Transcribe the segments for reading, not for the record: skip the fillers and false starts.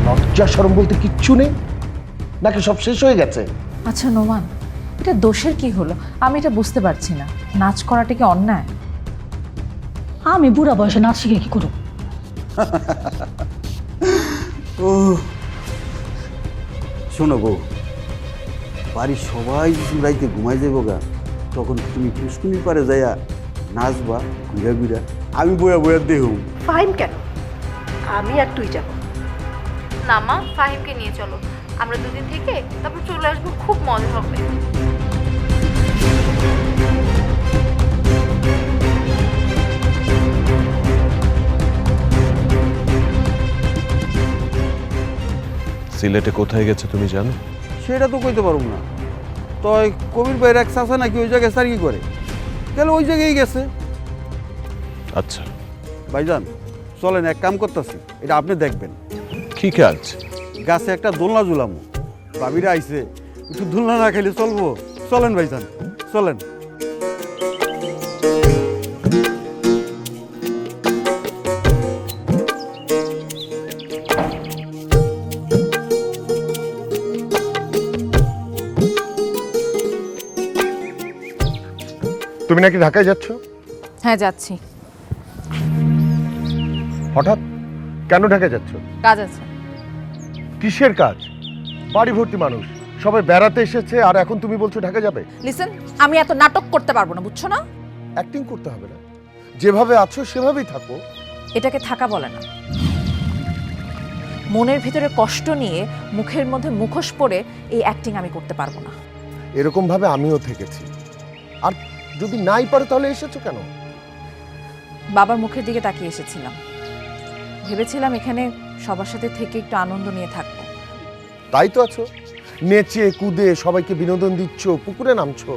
লজ্জা শরম বলতে কিচ্ছু নেই নাকি সব শেষ হয়ে গেছে? আচ্ছা নোমান, এটা দোষের কি হলো? আমি এটা বুঝতে পারছি না। নাচ করাটা কি অন্যায়? আমি বুড়া বয়সে নাচ শিখে কি করব? ও শোনো বউ, বাড়ির সবাই যখন রাইতে ঘুমাই যাবো গা, তখন তুমি পুষ্কুনির পারে যাইয়া নাচবা ঘুরা ঘুরা, আমি বয়া বয়া দেহ। ফাইম কেন? আমি আর তুই যাব। না মা, ফাহিমকে নিয়ে চলো, আমরা দুদিন থেকে তারপর চলে আসবো, খুব মজা হবে। সিলেটে কোথায় গেছে তুমি জানো? সেটা তো কইতে পারবো না। তয় কবির ভাইয়ের এক চাচা নাকি ওই জায়গায় সার্কি করে, তাহলে ওই জায়গায় গেছে। আচ্ছা, ভাইজান চলেন, এক কাম করতেছি, এটা আপনি দেখবেন। কি কাজ? গাছে একটা দোলনা ঝুলামো, ভাবিরা আইছে, একটু দোলনা না খাইলে চলবো। চলেন ভাইজান, চলেন। তুমি নাকি ঢাকায় যাচ্ছ? হ্যাঁ যাচ্ছি, হঠাৎ কেন ঢাকায় যাচ্ছ? কাজ আছে। কিসের কাজ? বাড়ি ভর্তি মানুষ, সবাই বেড়াতে এসেছে আর এখন তুমি বলছো ঢাকা যাবে? লিসেন, আমি এত নাটক করতে পারবো না, বুঝছো না? অ্যাক্টিং করতে হবে না, যেভাবে আছো সেভাবেই থাকো। এটাকে থাকা বলে না। মনের ভিতরে কষ্ট নিয়ে মুখের মধ্যে মুখোশ পরে এই অ্যাক্টিং আমি করতে পারবো না। এরকম ভাবে আমিও থেকেছি। আর যদি নাই পারো তাহলে এসেছো কেন? বাবার মুখের দিকে তাকিয়ে এসেছিলাম, ভেবেছিলাম এখানে সবার সাথে থেকে একটু আনন্দ নিয়ে থাকবো। তাই তো আছো, নেচে কুদে সবাইকে বিনোদন দিচ্ছ, পুকুরে নামছো।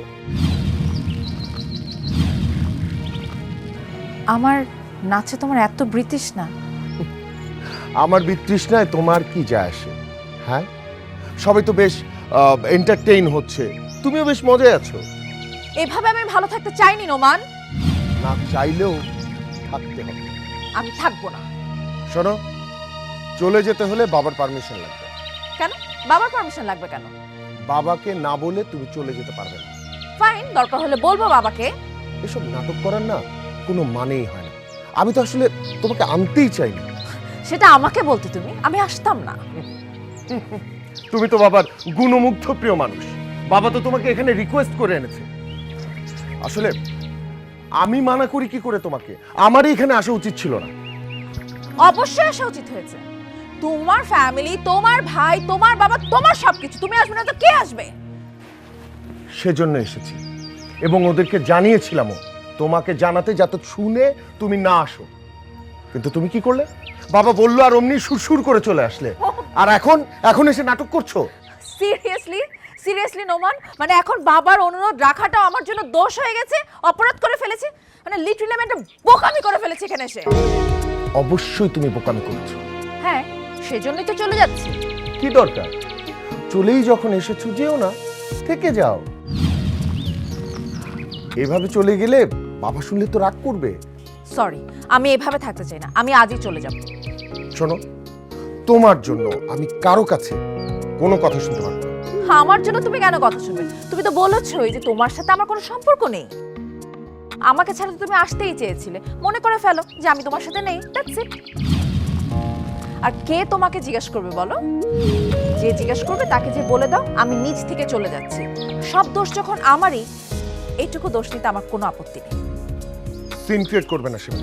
আমার নাচে তোমার এত ব্রিটিশ না? আমার বিতৃষ্ণায় তোমার কি যায় আসে? হ্যাঁ, সবাই তো বেশ এন্টারটেইন হচ্ছে, তুমিও বেশ মজায় আছো। এভাবে আমি ভালো থাকতে চাইনি নোমান। না চাইলেও থাকতে হবে। আমি থাকবো না। শোনো, চলে যেতে হলে বাবার পারমিশন লাগবে। কেন বাবার পারমিশন লাগবে কেন? বাবাকে না বলে তুমি চলে যেতে পারবে না। ফাইন, দরকার হলে বলবো বাবাকে। এসব নাটক করার না কোনো মানেই হয় না। আমি তো আসলে তোমাকে আনতেই চাইনি। সেটা আমাকে বলতে তুমি, আমি আসতাম না। তুমি তো বাবার গুণমুগ্ধ প্রিয় মানুষ, বাবা তো তোমাকে এখানে রিকোয়েস্ট করে এনেছে। আসলে আমি মানা করি কি করে তোমাকে? আমারই এখানে আসা উচিত ছিল না। অবশ্যই আসা উচিত হয়েছে। তোমার ফ্যামিলি, তোমার ভাই, তোমার বাবা, তোমার সবকিছু, তুমি আসবে না তো কে আসবে? সেজন্য এসেছি এবং ওদেরকে জানিয়েছিলামও তোমাকে জানাতে, যাতে শুনে তুমি না আসো। কিন্তু তুমি কি করলে? বাবা বললো আর অমনি সুরসুর করে চলে আসলে। আর এখন এসে নাটক করছো? সিরিয়াসলি সিরিয়াসলি নোমান, মানে এখন বাবার অনুরোধ রাখাটাও আমার জন্য দোষ হয়ে গেছে, অপরাধ করে ফেলেছি, মানে লিটারালি আমি একটা বোকামি করে ফেলেছি এখানে এসে। অবশ্যই তুমি বোকামি করেছো। হ্যাঁ, সেজন্যই তো চলে যাচ্ছি। কি দরকার? চলেই যখন এসেছো যেও না, থেকে যাও। এভাবে চলে গেলে বাবা শুনলে তো রাগ করবে। সরি, আমি এভাবে থাকতে চাই না, আমি আজই চলে যাব। শোনো, তোমার জন্য আমি কারো কাছে কোনো কথা শুনতে পারবো না। আমার জন্য তুমি কেন কথা শুনবে? তুমি তো বলেছোই যে তোমার সাথে আমার কোনো সম্পর্ক নেই। আমাকে ছাড়া তো তুমি আসতেই চেয়েছিলে, মনে করে ফেলো যে আমি তোমার সাথে নেই, দ্যাটস ইট। আর কে তোমাকে জিজ্ঞেস করবে বলো? যে জিজ্ঞেস করবে তাকে যে বলে দাও আমি নিজ থেকে চলে যাচ্ছি। সব দোষ যখন আমারই, এইটুকু দোষ নিতে আমার কোনো আপত্তি নেই। সিন ক্রিয়েট করবে না সীমা।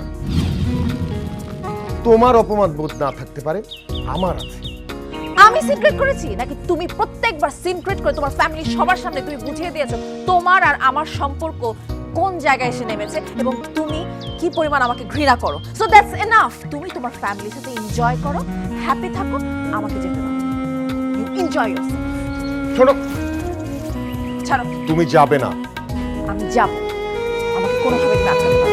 তোমার অপমান বোধ না থাকতে পারে, আমার আছে। আমি সিক্রেট করেছি নাকি তুমি প্রত্যেকবার সিক্রেট করে তোমার ফ্যামিলি সবার সামনে তুমি বুঝিয়ে দিয়েছো তোমার আর আমার সম্পর্ক কোন জায়গায় এসে নেমেছে এবং তুমি কি পরিমাণ আমাকে ঘৃণা করো। So that's enough. তুমি তোমার ফ্যামিলির সাথে এনজয় করো, হ্যাপি থাকো, আমাকে যেতে দাও। You enjoy yourself. শোনো, ছাড়ো। তুমি যাবে না। আমি যাব, আমাকে কোনোভাবে তুমি আটকাতে পারবে না।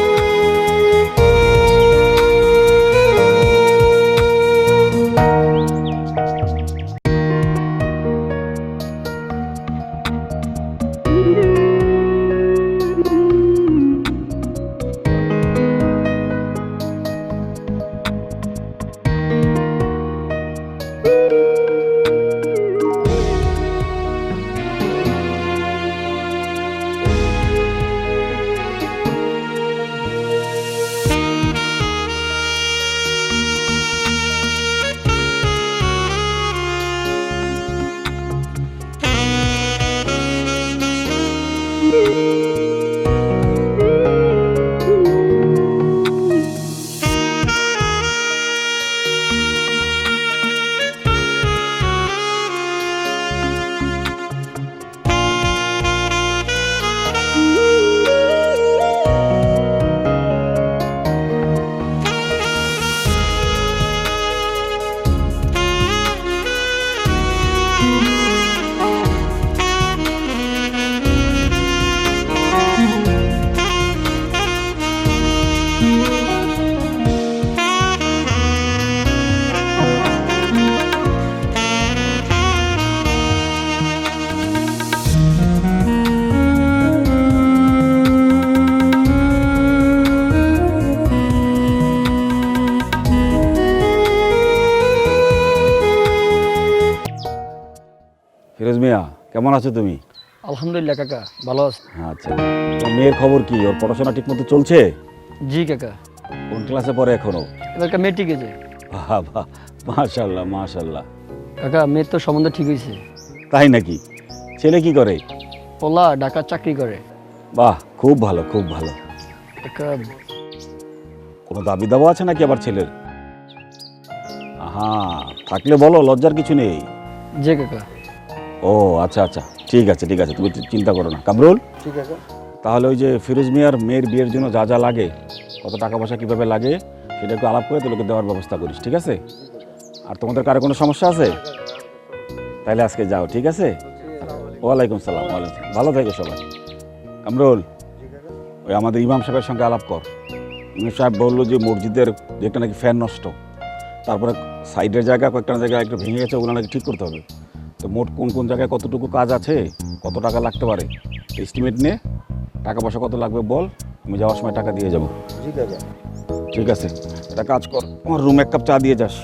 কেমন আছো তুমি? আলহামদুলিল্লাহ কাকা, ভালো আছি। আচ্ছা, তো মেয়ের খবর কি? ওর পড়াশোনা ঠিক মতো চলছে? জি কাকা, কোন ক্লাসে পড়ে এখনো? এবারকার মেট্রিকে যে। বাহ বাহ, মাশাল্লাহ মাশাল্লাহ। কাকা, মেয়ের তো সম্বন্ধ ঠিক হয়েছে। তাই নাকি? ছেলে কি করে? পোলা ঢাকার চাকরি করে। বাহ, খুব ভালো খুব ভালো। কাকা, কোনো দাবি দাবা আছে নাকি আবার ছেলের? হ্যাঁ, থাকলে বলো, লজ্জার কিছু নেই। যে কাকা। ও আচ্ছা আচ্ছা, ঠিক আছে ঠিক আছে, তুমি চিন্তা করো না। কামরুল, ঠিক আছে। তাহলে ওই যে ফিরোজ মিয়ার মেয়ের বিয়ের জন্য যা যা লাগে, কত টাকা পয়সা কীভাবে লাগে, সেটা একটু আলাপ করে তোকে দেওয়ার ব্যবস্থা করিস, ঠিক আছে? আর তোমাদের কারো কোনো সমস্যা আছে? তাহলে আজকে যাও, ঠিক আছে? ওয়ালাইকুম সালাম। ওয়ালাইকুম, ভালো থেকো সবাই। কামরুল, ওই আমাদের ইমাম সাহেবের সঙ্গে আলাপ কর। ইমাম সাহেব বললো যে মসজিদের যেটা নাকি ফ্যান নষ্ট, তারপরে সাইডের জায়গা কয়েকটা জায়গায় একটু ভেঙে গেছে, ওগুলো নাকি ঠিক করতে হবে। তো মোট কোন কোন জায়গায় কতটুকু কাজ আছে, কত টাকা লাগতে পারে এস্টিমেট নে, টাকা পয়সা কত লাগবে বল, আমি যাওয়ার সময় টাকা দিয়ে যাবো। ঠিক আছে, একটা কাজ কর, আমার রুমে এক কাপ চা দিয়ে যাস।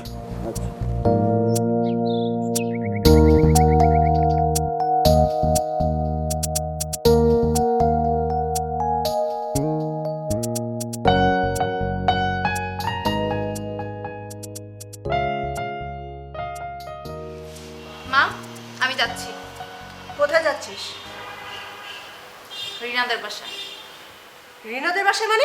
মা, আমি যাচ্ছি কোথায় যাচ্ছিস? রিনাদের বাসায়। রিনাদের বাসায় মানে?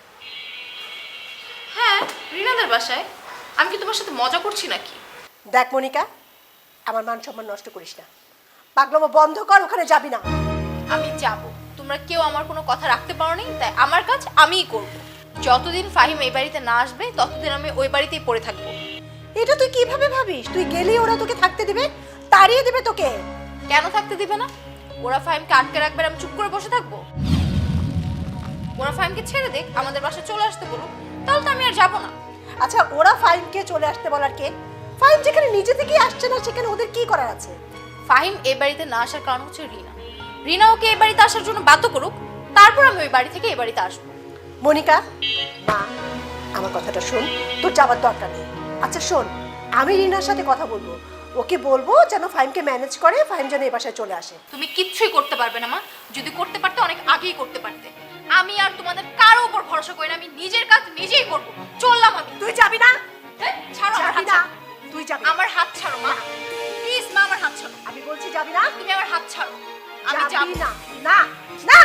হ্যাঁ, রিনাদের বাসায়। আমি কি তোমার সাথে মজা করছি নাকি? দেখ মনিকা, আমার মান সম্মান নষ্ট করিস না। পাগলামো বন্ধ কর, ওখানে যাবি না। আমি যাব। তোমরা কেউ আমার কোনো কথা রাখতে পারো নি, তাই আমার কাজ আমিই করব। যতদিন ফাহিম এই বাড়িতে না আসবে ততদিন আমি ওই বাড়িতেই পড়ে থাকবো। এটা তুই কিভাবে ভাবিস? তুই গেলেই ওরা তোকে থাকতে দিবে? তাড়িয়ে দিবে তোকে? কেন থাকতে দিবে না? ওরা ফাহিমকে আটকে রাখবে আর আমি চুপ করে বসে থাকবো? ওরা ফাহিমকে ছেড়ে দেখ, আমাদের বাসায় চলে আসতে বলুক, তাহলে তো আমি আর যাবো না। আচ্ছা, ওরা ফাহিমকে চলে আসতে বলার কে? ফাহিম যেখানে নিজে থেকেই আসছে না, সেখানে ওদের কি করার আছে? ফাহিম এই বাড়িতে না আসার কারণ হচ্ছে রিনা। রিনা ওকে এই বাড়িতে আসার জন্য বাধ্য করুক, তারপর আমি ওই বাড়ি থেকে এই বাড়িতে আসবো। মনিকা, মা, আমার কথাটা শোন, তোর যাবার দরকার নেই। আচ্ছা শোন, আমি রিনার সাথে কথা বলবো, ওকে বলবো যেন ফাহিমকে ম্যানেজ করে, ফাহিম যেন এই বাসায় চলে আসে। তুমি কিচ্ছুই করতে পারবে না মা। যদি করতে পারতে অনেক আগেই করতে পারতে। আমি আর তোমাদের কারো উপর ভরসা করি না, আমি নিজের কাজ নিজেই করব। চললাম আমি। তুই যাবি না? এই, ছাড়ো আমার যাবি হাত না? ছাড়ো। তুই যাবি না? আমার হাত ছাড়ো মা, প্লিজ মা, আমার হাত ছাড়ো। আমি বলছি যাবি না? তুমি আমার হাত ছাড়ো, আমি যাব যাবি না। না না।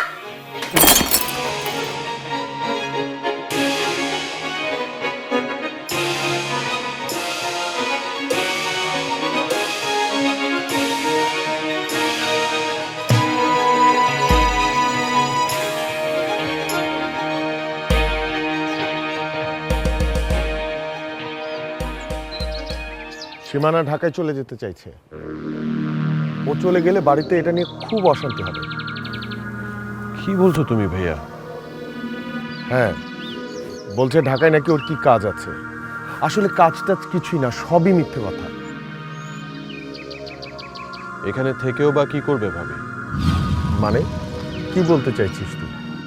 সীমানা ঢাকায় চলে যেতে চাইছে। ও চলে গেলে বাড়িতে এটা নিয়ে খুব অশান্তি হবে। কি বলছো তুমি ভাইয়া? হ্যাঁ, বলছে ঢাকায় নাকি ওর কি কাজ আছে। আসলে কাজ টাজ কিছুই না, সবই মিথ্যে কথা। এখানে থেকেও বা কি করবে ভাবি? মানে কি বলতে চাইছিস তুই?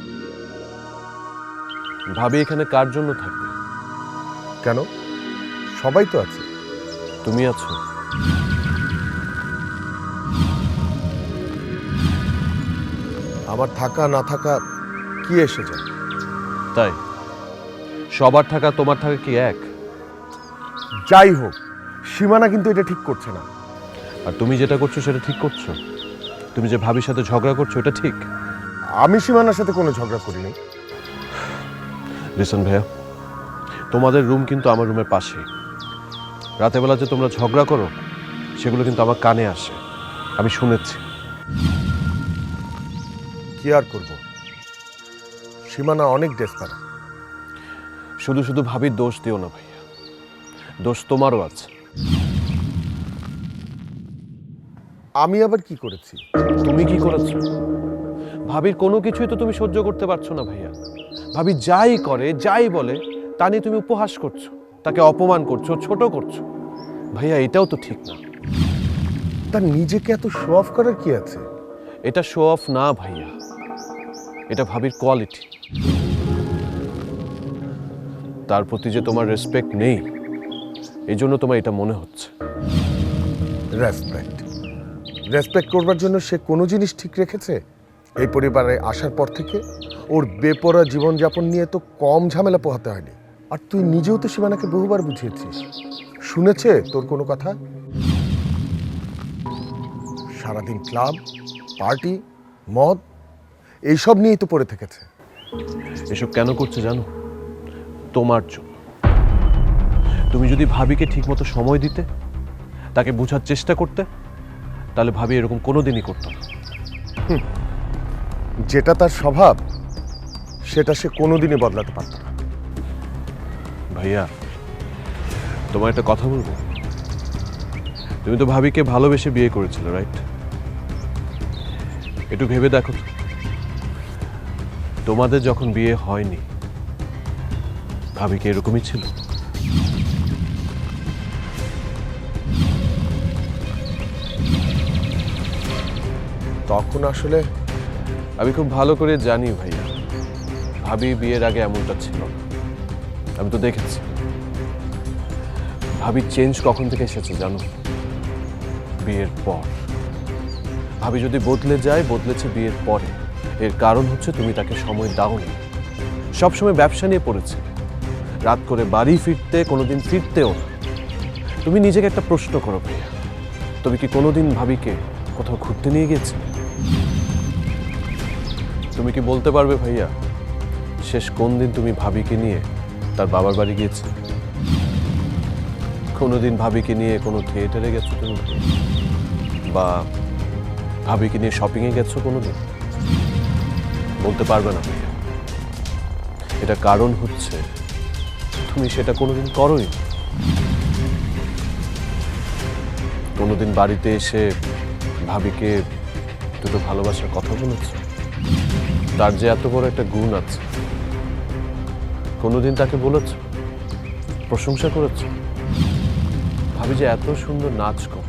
ভাবি এখানে কার জন্য থাকবে? কেন, সবাই তো আছে। তুমি আছো। আমার থাকা না থাকা কি এসে যায়? তাই সবার থাকা তোমার থাকা কি এক? যাই হোক, সীমানা কিন্তু এটা ঠিক করছে না। আর তুমি যেটা করছো সেটা ঠিক করছো? তুমি যে ভাবির সাথে ঝগড়া করছো এটা ঠিক? আমি সীমানার সাথে কোনো ঝগড়া করিনি। লিসন ভাইয়া, তোমাদের রুম কিন্তু আমার রুমের পাশে। রাতের বেলা যে তোমরা ঝগড়া করো সেগুলো কিন্তু আমার কানে আসে, আমি শুনেছি। কি আর করব, সীমানা অনেক ডেসপারেট। শুধু শুধু ভাবির দোষ দিও না ভাইয়া, দোষ তোমারও আছে। আমি আবার কি করেছি? তুমি কি করেছো? ভাবির কোনো কিছুই তো তুমি সহ্য করতে পারছো না ভাইয়া। ভাবি যাই করে যাই বলে তা নিয়ে তুমি উপহাস করছো, তাকে অপমান করছো, ছোট করছো। ভাইয়া এটাও তো ঠিক না। তার নিজেকে এত শো অফ করার কি আছে? এটা শো অফ না ভাইয়া, এটা ভাবির কোয়ালিটি। তার প্রতি যে তোমার রেসপেক্ট নেই, এই জন্য তোমার এটা মনে হচ্ছে। রেসপেক্ট? রেসপেক্ট করবার জন্য সে কোনো জিনিস ঠিক রেখেছে? এই পরিবারে আসার পর থেকে ওর বেপরোয়া জীবনযাপন নিয়ে তো কম ঝামেলা পোহাতে হয়নি। আর তুই নিজেও তো সীমানাকে বহুবার বুঝিয়েছিস, শুনেছে তোর কোনো কথা? সারাদিন ক্লাব, পার্টি, মদ এইসব নিয়েই তো পড়ে থেকেছে। এসব কেন করছে জানো? তোমার জন্য। তুমি যদি ভাবিকে ঠিকমতো সময় দিতে, তাকে বোঝার চেষ্টা করতে, তাহলে ভাবি এরকম কোনোদিনই করতো না। যেটা তার স্বভাব সেটা সে কোনোদিনই বদলাতে পারত না। ভাইয়া, তোমার একটা কথা বলবো। তুমি তো ভাবিকে ভালোবেসে বিয়ে করেছিলে, রাইট? একটু ভেবে দেখো তো, তোমাদের যখন বিয়ে হয়নি ভাবি কি এরকমই ছিল? তখন আসলে আমি খুব ভালো করে জানি ভাইয়া, ভাবি বিয়ের আগে এমনটা ছিল না। আমি তো দেখেছি। ভাবি চেঞ্জ কখন থেকে এসেছে জানো? বিয়ের পর। ভাবি যদি বদলে যায়, বদলেছে বিয়ের পরে। এর কারণ হচ্ছে তুমি তাকে সময় দাওনি। সবসময় ব্যবসা নিয়ে পড়েছে, রাত করে বাড়ি ফিরতে, কোনোদিন ফিরতেও না। তুমি নিজেকে একটা প্রশ্ন করো ভাইয়া, তুমি কি কোনোদিন ভাবিকে কোথাও ঘুরতে নিয়ে গেছিলে? তুমি কি বলতে পারবে ভাইয়া, শেষ কোন দিন তুমি ভাবিকে নিয়ে তার বাবার বাড়ি গিয়েছো? কোনোদিন ভাবিকে নিয়ে কোনো থিয়েটারে গেছো তুমি? বা ভাবিকে নিয়ে শপিংয়ে গেছো কোনোদিন? বলতে পারবে না ভাইয়া। এটা কারণ হচ্ছে তুমি সেটা কোনোদিন করোই। কোনোদিন বাড়িতে এসে ভাবিকে দুটো ভালোবাসার কথা বলেছো? তার যে এত বড় একটা গুণ আছে, কোনোদিন তাকে বলেছ, প্রশংসা করেছ? ভাবি যে এত সুন্দর নাচ করে,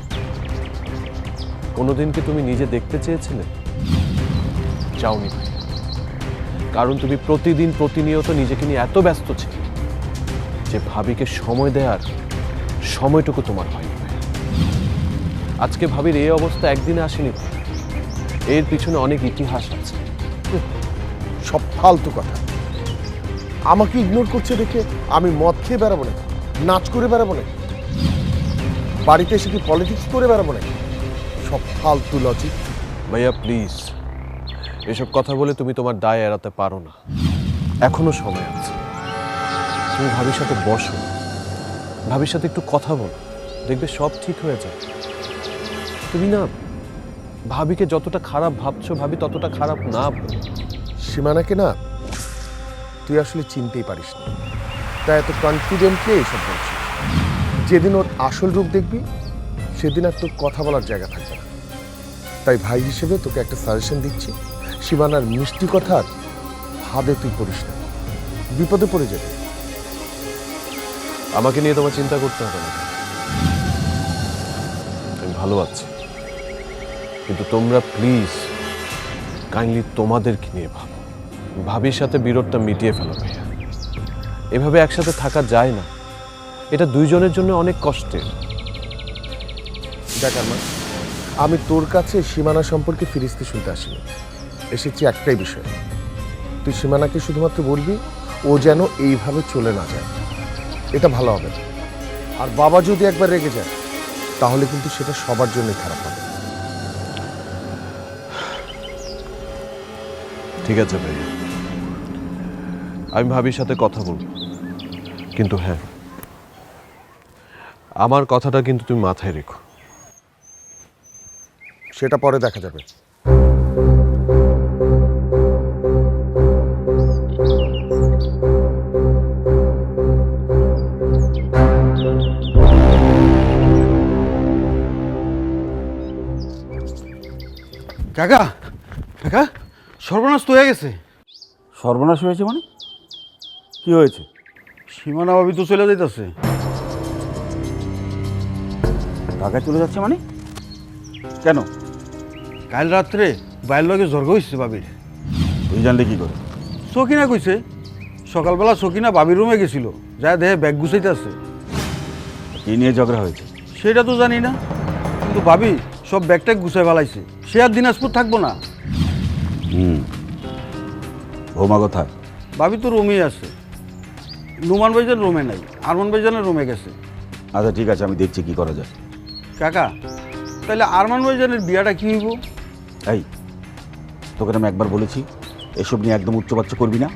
কোনোদিন কি তুমি নিজে দেখতে চেয়েছিলে? চাওনি ভাই। কারণ তুমি প্রতিদিন প্রতিনিয়ত নিজেকে নিয়ে এত ব্যস্ত ছিলে যে ভাবিকে সময় দেওয়ার সময়টুকু তোমার হয়নি। আজকে ভাবির এই অবস্থা একদিনে আসেনি, এর পিছনে অনেক ইতিহাস আছে। সব ফালতু কথা। আমাকে ইগনোর করছে দেখে আমি মদ খেয়ে বেড়াবো না, নাচ করে বেড়াবো না, বাড়িতে এসে কি পলিটিক্স করে বেড়াবো না? সব ফালতু লজিক। ভাইয়া প্লিজ, এসব কথা বলে তুমি তোমার দায় এড়াতে পারো না। এখনো সময় আছে। তুমি ভাবির সাথে বসো, ভাবির সাথে একটু কথা বলো, দেখবে সব ঠিক হয়ে যায়। তুমি না ভাবিকে যতটা খারাপ ভাবছো, ভাবি ততটা খারাপ না। সীমানাকে না তুই আসলে চিনতেই পারিস না, তাই এত কনফিডেন্টলি এইসব বলছিস। যেদিন ওর আসল রূপ দেখবি সেদিন আর তোর কথা বলার জায়গা থাকবে না। তাই ভাই হিসেবে তোকে একটা সাজেশন দিচ্ছি, সীমানার মিষ্টি কথা ভাবে তুই করিস না, বিপদে পড়ে যাবে। আমাকে নিয়ে তোমার চিন্তা করতে হবে না, আমি ভালো আছি। কিন্তু তোমরা প্লিজ কাইন্ডলি তোমাদেরকে নিয়ে ভাবো। ভাবির সাথে বিরোধটা মিটিয়ে ফেলো ভাইয়া। এভাবে একসাথে থাকা যায় না, এটা দুইজনের জন্য অনেক কষ্টের। দেখ মা, আমি তোর কাছে সীমানা সম্পর্কে ফিরিস্তি শুনতে আসিনি, এসেছি একটাই বিষয়। তুই সীমানাকে শুধুমাত্র বলবি ও যেন এইভাবে চলে না যায়, এটা ভালো হবে। আর বাবা যদি একবার রেগে যায় তাহলে কিন্তু সেটা সবার জন্যই খারাপ হবে। ঠিক আছে ভাই, আমি ভাবির সাথে কথা বলবো। কিন্তু হ্যাঁ, আমার কথাটা কিন্তু তুমি মাথায় রেখো। সেটা পরে দেখা যাবে। কাকা, কাকা, সর্বনাশ তো হয়ে গেছে। সর্বনাশ হয়েছে মানে? কি হয়েছে? সীমানা ভাবি তো চলে যাইতেছে। ঢাকায় চলে যাচ্ছে মানে? কেন? কাল রাত্রে বাইরের লগে জ্বর হয়েছে ভাবির। তুই জানলে কি করে? সকিনা কইছে, সকালবেলা সকিনা ভাবির রুমে গেছিল, যা দেহে ব্যাগ গুছাইতে আছে। কি নিয়ে ঝগড়া হয়েছে? সেটা তো জানি না, কিন্তু ভাবি সব ব্যাগটা গুছাই ফেলাইছে। সে আর দিনাজপুর থাকবো না। বৌমা কোথায়? ভাবি তো রুমেই আছে। নুমান ভাইজান রুমে নাই, আরমান ভাইজানের রুমে গেছে। আচ্ছা ঠিক আছে, আমি দেখছি কি করা যায়। কাকা, তাহলে আরমান ভাইজানের বিয়াটা কি হইব? এই, তোকে আমি একবার বলেছি এসব নিয়ে একদম উচ্চবাচ্য করবি না।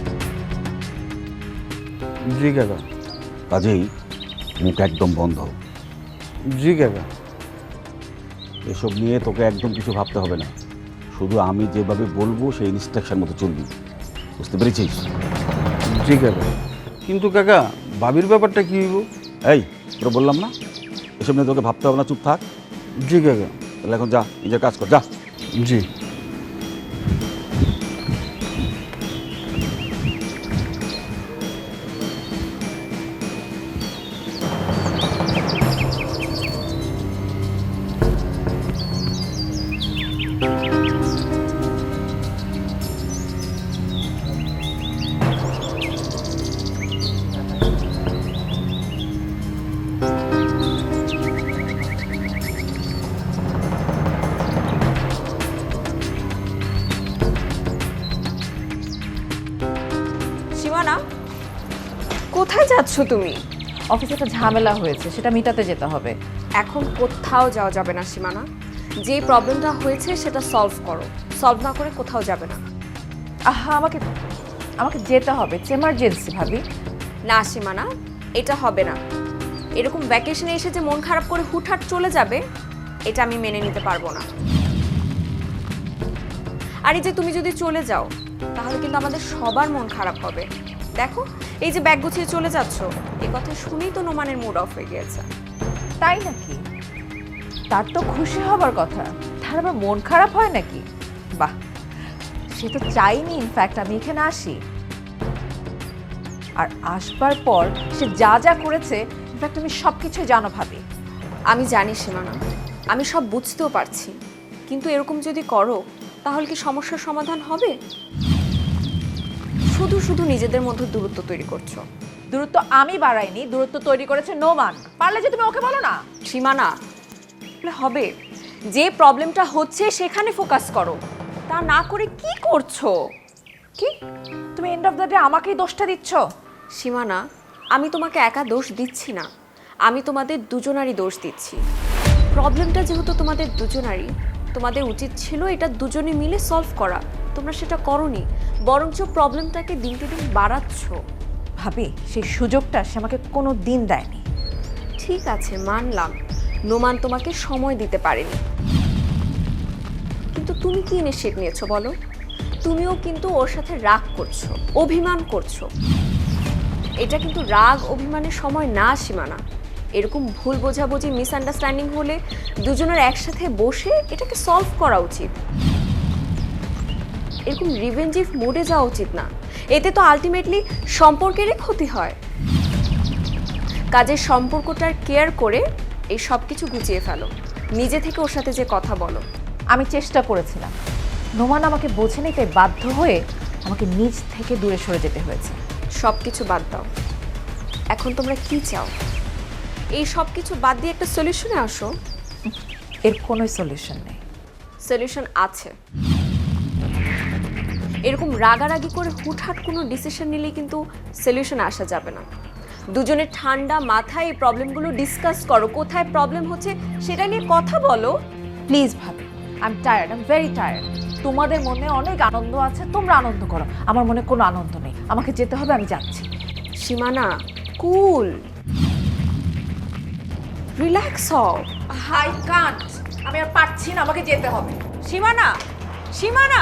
জি কাকা। কাজেই মুখ একদম বন্ধ। জি কাকা। এসব নিয়ে তোকে একদম কিছু ভাবতে হবে না, শুধু আমি যেভাবে বলবো সেই ইনস্ট্রাকশন মতো চলবি, বুঝতে পেরেছিস? জি কাকা। কিন্তু কাকা, ভাবির ব্যাপারটা কি হইব? এই তোরা বললাম না এসব নিয়ে তোকে ভাবতে হবে না, চুপ থাক। জি কাকা। তাহলে এখন যা, নিজের কাজ কর, যা। জি। সীমানা, কোথায় যাচ্ছ তুমি? অফিসে একটা ঝামেলা হয়েছে, সেটা মিটাতে যেতে হবে। এখন কোথাও যাওয়া যাবে না সীমানা। যে প্রবলেমটা হয়েছে সেটা সলভ করো। সলভ না করে কোথাও যাবে না। আহা, আমাকে আমাকে যেতে হবে, এমার্জেন্সি ভাবি। না সীমানা, এটা হবে না। এরকম ভ্যাকেশনে এসে যে মন খারাপ করে হুটহাট চলে যাবে, এটা আমি মেনে নিতে পারবো না। আর এই যে তুমি যদি চলে যাও, তাহলে কিন্তু আমাদের সবার মন খারাপ হবে। দেখো, এই যে ব্যাগ গুছিয়ে চলে যাচ্ছ, এই কথা শুনেই তো নোমানের মুড অফ হয়ে গিয়েছে। তাই নাকি? তার তো খুশি হবার কথা, তার আবার মন খারাপ হয় নাকি? বাহ, সে তো চাইনি ইনফ্যাক্ট আমি এখানে আসি। আর আসবার পর সে যা যা করেছে, ইনফ্যাক্ট আমি সব কিছুই জানো ভাবি। আমি জানি সীমানা, আমি সব বুঝতেও পারছি, কিন্তু এরকম যদি করো তাহলে কি সমস্যার সমাধান হবে? শুধু শুধু নিজেদের মধ্যে দূরত্ব তৈরি করছো। দূরত্ব আমি বাড়াইনি, দূরত্ব তৈরি করেছে নোমান। পারলে যে তুমি ওকে বলো না। সীমানা, হবে, যে প্রবলেমটা হচ্ছে সেখানে ফোকাস করো। তা না করে কি করছো? কি তুমি এন্ড অফ দ্য ডে আমাকেই দোষটা দিচ্ছ? সীমানা, আমি তোমাকে একা দোষ দিচ্ছি না, আমি তোমাদের দুজনারই দোষ দিচ্ছি। প্রবলেমটা যেহেতু তোমাদের দুজনারই, তোমাদের উচিত ছিল এটা দুজনে মিলে সলভ করা। তোমরা সেটা করোনি, বরঞ্চ প্রবলেমটাকে দিনকে দিন বাড়াচ্ছ। ভাবি, সেই সুযোগটা সে আমাকে কোনো দিন দেয়নি। ঠিক আছে, মানলাম নোমান তোমাকে সময় দিতে পারেনি, কিন্তু তুমি কি ইনিশিয়েটিভ নিয়েছো বলো? তুমিও কিন্তু ওর সাথে রাগ করছো, অভিমান করছো। এটা কিন্তু রাগ অভিমানের সময় না সীমানা। এরকম ভুল বোঝাবুঝি, মিসআন্ডারস্ট্যান্ডিং হলে দুজনের একসাথে বসে এটাকে সলভ করা উচিত। এরকম রিভেঞ্জিভ মোডে যাওয়া উচিত না, এতে তো আলটিমেটলি সম্পর্কেরই ক্ষতি হয়। কাজের সম্পর্কটার কেয়ার করে এই সব কিছু গুছিয়ে ফেলো, নিজে থেকে ওর সাথে যে কথা বলো। আমি চেষ্টা করেছিলাম, নোমান আমাকে বোঝেনি, তাই বাধ্য হয়ে আমাকে নিজ থেকে দূরে সরে যেতে হয়েছে। সব কিছু বাদ দাও, এখন তোমরা কি চাও? এই সব কিছু বাদ দিয়ে একটা সলিউশনে আসো। এর কোনো সলিউশন নেই। সলিউশন আছে। এরকম রাগারাগি করে হুটহাট কোনো ডিসিশন নিলে কিন্তু সলিউশন আসা যাবে না। দুজনে ঠান্ডা মাথায় এই প্রবলেমগুলো ডিসকাস করো, কোথায় প্রবলেম হচ্ছে সেটা নিয়ে কথা বলো। প্লিজ ভাবি, I am tired, I am very tired. তোমাদের মনে অনেক আনন্দ আছে, তোমরা আনন্দ করো, আমার মনে কোনো আনন্দ নেই। আমাকে যেতে হবে, আমি যাচ্ছি। সীমানা, কুল, রিল্যাক্স হও। আই কান্ট, আমি আর পারছি না, আমাকে যেতে হবে। সীমানা, সীমানা,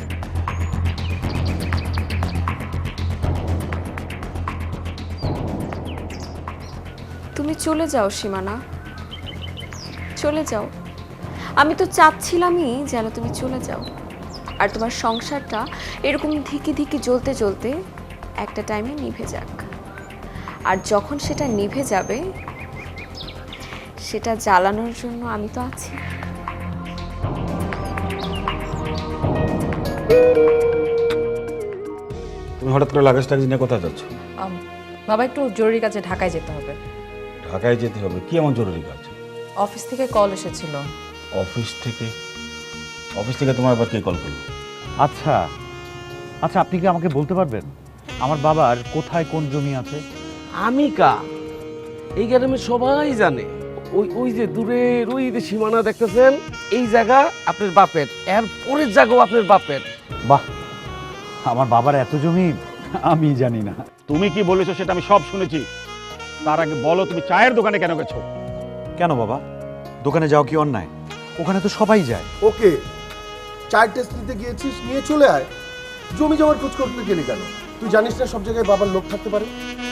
তুমি চলে যাও সীমানা, চলে যাও। আমি তো চাচ্ছিলামই যেন তুমি চলে যাও, আর তোমার সংসারটা এরকম ধিকি ধিকি জ্বলতে জ্বলতে একটা টাইমে নিভে যাক। আর যখন সেটা নিভে যাবে, সেটা জ্বালানোর জন্য আমি তো আছি। তুমি হঠাৎ করে লাগেজ টাগেজ নিয়ে কোথায় যাচ্ছ? বাবা, একটু জরুরি কাজে ঢাকায় যেতে হবে। ঢাকায় যেতে হবে? কি এমন জরুরি কাজ? অফিস থেকে কল এসেছিল, অফিস থেকে তোমার আবার কে কল করলো? আচ্ছা আচ্ছা, আপনি কি আমাকে বলতে পারবেন আমার বাবার কোথায় কোন জমি আছে? আমি কা এই গ্রামে সবাই জানে। ওই ওই যে দূরের ওই যে সীমানা দেখতেছেন, এই জায়গা আপনার বাপের, এর পরের জায়গাও আপনার বাপের। বাহ, আমার বাবার এত জমি আমি জানি না। তুমি কি বলেছো সেটা আমি সব শুনেছি। তার আগে বলো তুমি চায়ের দোকানে কেন গেছো? কেন বাবা, দোকানে যাও কি অন্যায়? ওখানে তো সবাই যায়। ওকে, চায়ের টেস্ট নিতে গিয়েছিস, নিয়ে চলে আয়। জমি জমার খোঁজ করতে গেলি কেন? তুই জানিস না সব জায়গায় বাবার লোক থাকতে পারে?